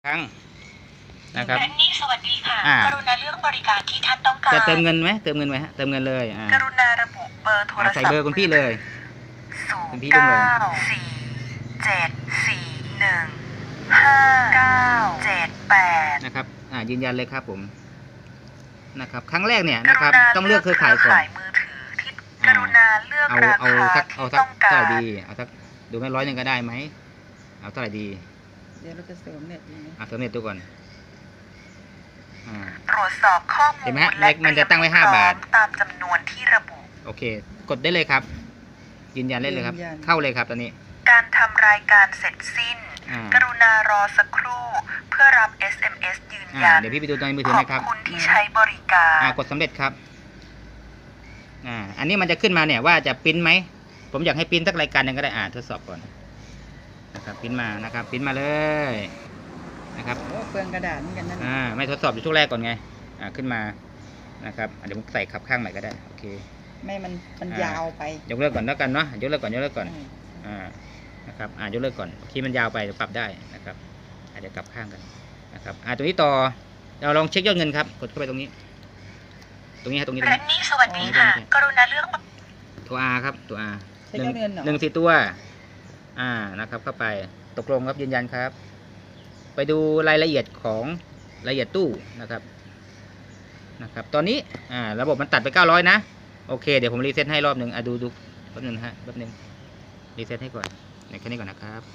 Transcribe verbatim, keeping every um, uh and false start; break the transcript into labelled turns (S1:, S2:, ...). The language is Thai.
S1: ครั้งนะครับ
S2: แอนนี่สวัสดีค่ะ
S1: อ่า
S2: กรุณาเลือกบริการที่ท่านต้องการ
S1: จะเติมเงินไหมเติมเงินไหมฮะเติมเงินเลยอ่าก
S2: รุณาระบุเบอร์โทร
S1: อ่า
S2: ศัพท์
S1: ใส่เบอร์คุณพี่เลย
S2: ศู
S1: คุ
S2: น
S1: ณ
S2: ย์
S1: พี่รุ่ง
S2: เก้า
S1: เลย
S2: สี่เจ็ดสี่หนึ่งห้าเก้าเจ็ดแปด
S1: นะครับอ่ายืนยันเลยครับผมนะครับครั้งแรกเนี่ย
S2: ก
S1: นะ
S2: รุ
S1: ครับ
S2: ณา
S1: ต้องเลือกเครือข่ายก่อน
S2: มือถือที่ก
S1: อ่า
S2: รุณาเลือก
S1: เอา
S2: รา
S1: เอา
S2: คา
S1: สักเอา
S2: ที่
S1: สัก
S2: ต้อง
S1: เท่า
S2: การ
S1: ไหร่ดีเอาสักดูไม่ร้อยหนึ่งก็ได้ไหมเอาเท่าไหร่ดี
S3: เดี๋ยวเราจะเสริมเน็ตดีไหม
S1: อ่าเติมเน็ตดูก่อนอ่า
S2: ตรวจสอบข้อมูล
S1: เห็นไหมฮะ
S2: และ
S1: มันจะตั้งไว้ห้าบาท
S2: ตามจำนวนที่ระบุ
S1: โอเค กดได้เลยครับ ยืนยันได้เลยครับ เข้าเลยครับตอนนี้
S2: การทำรายการเสร็จสิ้น
S1: อ่า
S2: กรุณารอสักครู่เพื่อรับ เอส เอ็ม เอส ยืน
S1: อ่า
S2: ยัน
S1: เดี๋ยวพี่ไปดูในมือถือ
S2: ขอบ
S1: นะครับ
S2: คุณที่ใช้บริการ
S1: อ่ากดสำเร็จครับอ่าอันนี้มันจะขึ้นมาเนี่ยว่าจะปริ้นไหมผมอยากให้ปริ้นสักรายการหนึ่งก็ได้อ่าทดสอบก่อนนะครับปริ้นมานะครับปริ้นมาเลยนะครับ
S3: โอ้เปลืองกระดาษเหมือนกันนั่น
S1: อ่าไม่ทดสอบอยู่ช่วงแรกก่อนไงอ่าขึ้นมานะครับอ่ะเดี๋ยวผมใส่ขับข้างใหม่ก็ได้โอเค
S3: ไม่มันมัน
S1: อ่าย
S3: ยาวไป
S1: ยกเลิกก่อนแล้วกันเนาะยกเลิกก่อนยกเลิกก่อน
S3: อืม
S1: อ่านะครับอ่ายกเลิกก่อนคีย์มันยาวไปเดี๋ยวปรับได้นะครับอาจจะเดี๋ยวกลับข้างกันนะครับอ่าตัวนี้ต่อเราลองเช็คยอดเงินครับกดเข้าไปตรงนี้ ตรงนี้ฮะตรงนี้ตรง
S2: แร
S1: นี้
S2: นนี่สวัสดีค่ะ กรุณาเลือก
S1: ตัว R ครับตัว R
S3: ใช้ยอดเงินเหรอ
S1: หนึ่งสี่ตัว อ่านะครับ เข้าไปตกลงครับยืนยันครับ ไปดูรายละเอียดของรายละเอียดตู้นะครับนะครับ ตอนนี้อ่าระบบมันตัดไปเก้าร้อยนะโอเคเดี๋ยวผมรีเซ็ตให้รอบหนึ่งอ่ะดูดูแป๊บหนึงนะฮะแป๊บหนึงรีเซ็ตให้ก่อนในแค่นี้ก่อนนะครับ